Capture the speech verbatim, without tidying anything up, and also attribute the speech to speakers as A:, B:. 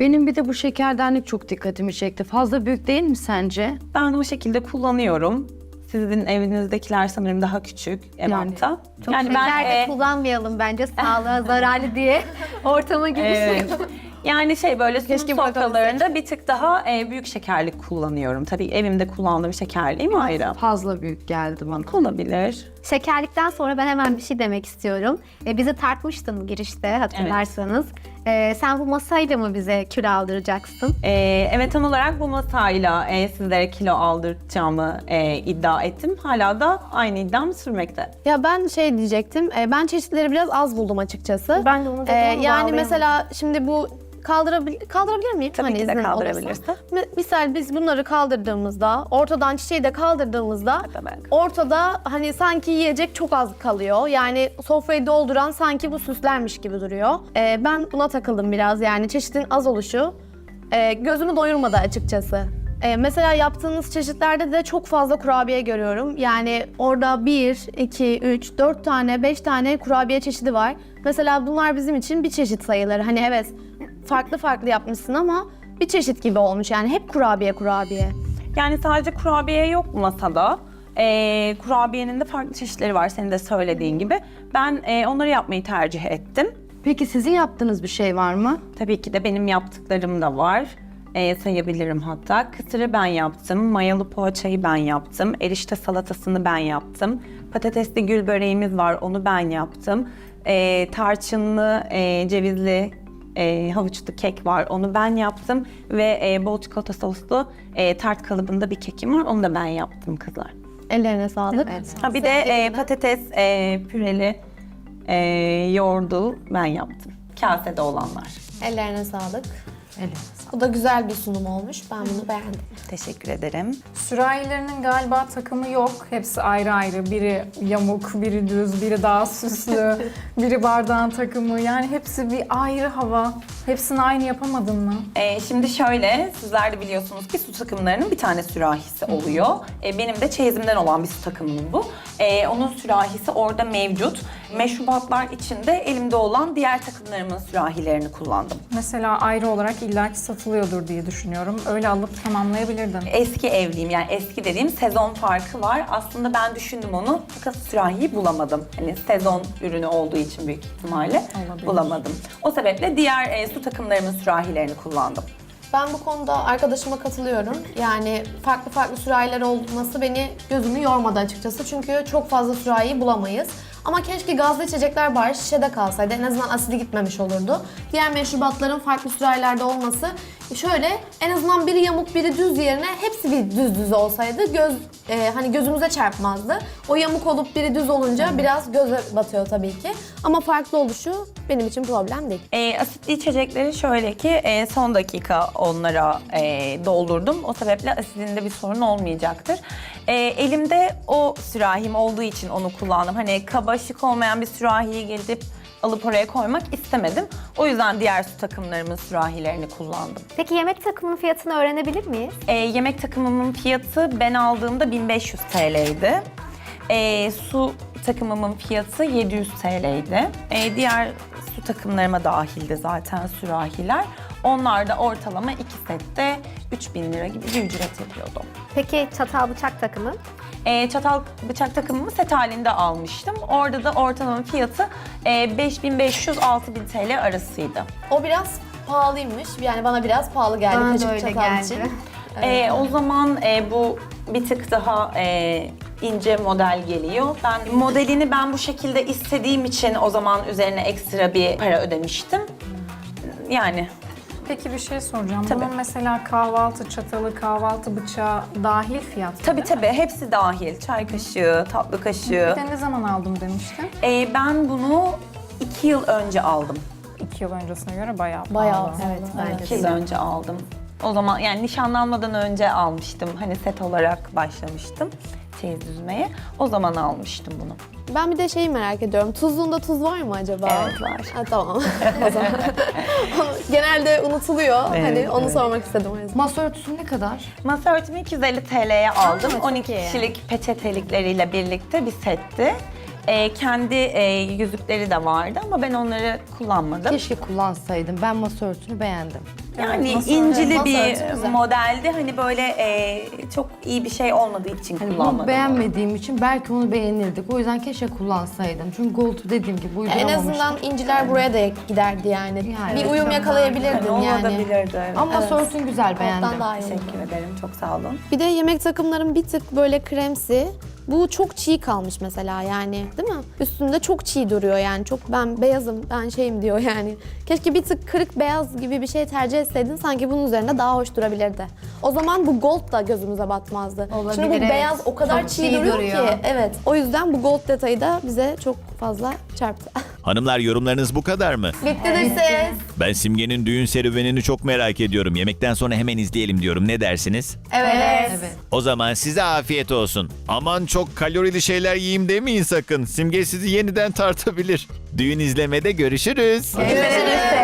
A: Benim bir de bu şekerdenlik çok dikkatimi çekti. Fazla büyük değil mi sence?
B: Ben o şekilde kullanıyorum. Sizin evinizdekiler sanırım daha küçük ebatta.
C: Çok
B: Yani
C: şeker de
B: e,
C: kullanmayalım bence sağlığa zararlı diye ortama girişmeyin.
B: Evet. Yani şey böyle sunum
C: Keşke
B: sofralarında bir tık daha e, büyük şekerlik kullanıyorum. Tabii evimde kullandığım şekerliğim ayrı.
A: Fazla büyük geldi bana.
B: Olabilir.
C: Şekerlikten sonra ben hemen bir şey demek istiyorum. E, bizi tartmıştın girişte hatırlarsanız. E, sen bu masayla mı bize kilo aldıracaksın?
B: Ee, evet, tam olarak bu masayla e, sizlere kilo aldıracağımı e, iddia ettim. Hala da aynı iddiam sürmekte.
D: Ya ben şey diyecektim, e, ben çeşitleri biraz az buldum açıkçası.
C: Ben de onu dedim
D: E,
C: ama
D: Yani
C: bağlayamadım.
D: mesela şimdi bu kaldırabil kaldırabilir miyim?
B: Tabii ki de
D: iznin
B: kaldırabilirsin.
D: olursa. Mi- Misal biz bunları kaldırdığımızda, ortadan çiçeği de kaldırdığımızda
B: Tabii.
D: ortada hani sanki yiyecek çok az kalıyor. Yani sofrayı dolduran sanki bu süslenmiş gibi duruyor. E, ben buna takıldım biraz, yani çeşitin az oluşu e, gözümü doyurmadı açıkçası. Ee, mesela yaptığınız çeşitlerde de çok fazla kurabiye görüyorum. Yani orada bir, iki, üç, dört tane, beş tane kurabiye çeşidi var. Mesela bunlar bizim için bir çeşit sayılır. Hani evet farklı farklı yapmışsın ama bir çeşit gibi olmuş. Yani hep kurabiye kurabiye.
B: Yani sadece kurabiye yok masada. Ee, kurabiyenin de farklı çeşitleri var senin de söylediğin gibi. Ben e, onları yapmayı tercih ettim.
A: Peki sizin yaptığınız bir şey var mı?
B: Tabii ki de benim yaptıklarım da var. Ee, sayabilirim hatta. Kısırı ben yaptım, mayalı poğaçayı ben yaptım, erişte salatasını ben yaptım. Patatesli gül böreğimiz var, onu ben yaptım. Ee, tarçınlı, e, cevizli, e, havuçlu kek var, onu ben yaptım. Ve e, bol çikolata soslu e, tart kalıbında bir kekim var, onu da ben yaptım kızlar.
D: Ellerine sağlık.
B: Ha, bir de e, patates e, püreli e, yoğurdu ben yaptım. Kasede olanlar.
D: Ellerine sağlık.
A: Evet.
D: Bu da güzel bir sunum olmuş. Ben bunu beğendim.
B: Teşekkür ederim.
E: Sürahilerinin galiba takımı yok. Hepsi ayrı ayrı. Biri yamuk, biri düz, biri daha süslü, biri bardağın takımı. Yani hepsi bir ayrı hava. Hepsini aynı yapamadın mı?
B: Ee, şimdi şöyle, sizler de biliyorsunuz ki su takımlarının bir tane sürahisi oluyor. Ee, benim de çeyizimden olan bir su takımım bu. Ee, onun sürahisi orada mevcut. Meşrubatlar içinde elimde olan diğer takımlarımın sürahilerini kullandım.
E: Mesela ayrı olarak illaki satılıyordur diye düşünüyorum. Öyle alıp tamamlayabilirdin.
B: Eski evliyim, yani eski dediğim sezon farkı var. Aslında ben düşündüm onu fakat sürahiyi bulamadım. Hani sezon ürünü olduğu için büyük ihtimalle
E: Olabilir.
B: bulamadım. O sebeple diğer e, su takımlarımın sürahilerini kullandım.
D: Ben bu konuda arkadaşıma katılıyorum. Yani farklı farklı sürahiler olması beni gözümü yormadı açıkçası. Çünkü çok fazla sürahiyi bulamayız. Ama keşke gazlı içecekler bari şişede kalsaydı. En azından asidi gitmemiş olurdu. Diğer meşrubatların farklı sürahilerde olması şöyle, en azından biri yamuk biri düz yerine hepsi bir düz düz olsaydı göz e, hani gözümüze çarpmazdı. O yamuk olup biri düz olunca biraz göze batıyor tabii ki. Ama farklı oluşu benim için problem değil.
B: E, asitli içecekleri şöyle ki e, son dakika onlara e, doldurdum. O sebeple asidinde bir sorun olmayacaktır. E, elimde o sürahim olduğu için onu kullandım. Hani kaba şık olmayan bir sürahiyi gelip alıp oraya koymak istemedim. O yüzden diğer su takımlarımın sürahilerini kullandım.
C: Peki yemek takımının fiyatını öğrenebilir miyiz?
B: E, yemek takımımın fiyatı ben aldığımda bin beş yüz T L'ydi. E, su takımımın fiyatı yedi yüz T L'ydi. E, diğer su takımlarıma dahildi zaten sürahiler. Onlar da ortalama iki sette üç bin lira gibi bir ücret yapıyordu.
C: Peki çatal bıçak takımı?
B: E, çatal bıçak takımımı set halinde almıştım. Orada da ortalama fiyatı e, beş bin beş yüz altı bin T L arasıydı.
D: O biraz pahalıymış. Yani bana biraz pahalı geldi.
C: Bana da
D: kaşık
C: öyle
D: çatal
C: geldi.
D: için.
B: E, o zaman e, bu bir tık daha e, ince model geliyor. Ben modelini ben bu şekilde istediğim için o zaman üzerine ekstra bir para ödemiştim. Yani
E: Peki bir şey soracağım.
B: Tabii.
E: Bunun mesela kahvaltı çatalı, kahvaltı bıçağı dahil fiyat mı?
B: tabii tabii hepsi dahil. Çay kaşığı, tatlı kaşığı.
E: Bir de ne zaman aldım demiştin?
B: E, ben bunu iki yıl önce aldım.
E: İki yıl öncesine göre bayağı
D: Bayağı,
E: pahalı.
D: evet, bence
B: iki yıl önce aldım. O zaman yani nişanlanmadan önce almıştım. Hani set olarak başlamıştım çeyiz düzmeye. O zaman almıştım bunu.
D: Ben bir de şeyi merak ediyorum. Tuzluğunda tuz var mı acaba?
B: Evet, var.
D: Ha, tamam. O zaman. Genelde unutuluyor.
B: Evet,
D: hani onu
B: evet.
D: sormak istedim o yüzden.
A: Masa örtüsü ne kadar?
B: Masa örtümü iki yüz elli T L'ye aldım.
D: çok
B: on iki
D: iyi.
B: kişilik peçetelikleriyle birlikte bir setti. Ee, kendi e, yüzükleri de vardı ama ben onları kullanmadım.
A: Keşke kullansaydım. Ben masa örtüsünü beğendim.
B: Yani
E: masa-
B: incili
D: masa
B: bir
D: örtü güzel.
B: modeldi. Hani böyle e, çok iyi bir şey olmadığı için
A: Hani
B: kullanmadım.
A: bunu beğenmediğim için belki onu beğenirdik. O yüzden keşke kullansaydım. Çünkü Gold'u dediğim gibi
D: En
A: uyduramamıştım.
D: azından inciler buraya da giderdi yani.
A: Yani
D: bir
A: evet,
D: uyum
A: ben-
D: yakalayabilirdin
B: Yani
D: yani.
B: olabilirdi. Evet.
A: Ama masa
D: Evet.
A: örtün güzel, beğendim.
D: Alttan daha iyi oldu.
B: Teşekkür ederim. Çok sağ olun.
D: Bir de yemek takımlarım bir tık böyle kremsi. Bu çok çiğ kalmış mesela yani, değil mi? Üstünde çok çiğ duruyor yani. Çok ben beyazım, ben şeyim diyor yani. Keşke bir tık kırık beyaz gibi bir şey tercih etseydin, sanki bunun üzerinde daha hoş durabilirdi. O zaman bu gold da gözümüze batmazdı.
C: Olabilir,
D: Şimdi bu
C: evet.
D: beyaz o kadar
C: Çok
D: çiğ,
C: çiğ
D: duruyor,
C: duruyor.
D: ki. Evet. O yüzden bu gold detayı da bize çok fazla çarptı.
F: Hanımlar, yorumlarınız bu kadar mı?
D: Bitti de ses.
F: Ben Simge'nin düğün serüvenini çok merak ediyorum. Yemekten sonra hemen izleyelim diyorum. Ne dersiniz?
D: Evet.
A: Evet.
F: O zaman size afiyet olsun. Aman çok kalorili şeyler yiyeyim demeyin sakın. Simge sizi yeniden tartabilir. Düğün izlemede görüşürüz.
D: Görüşürüz.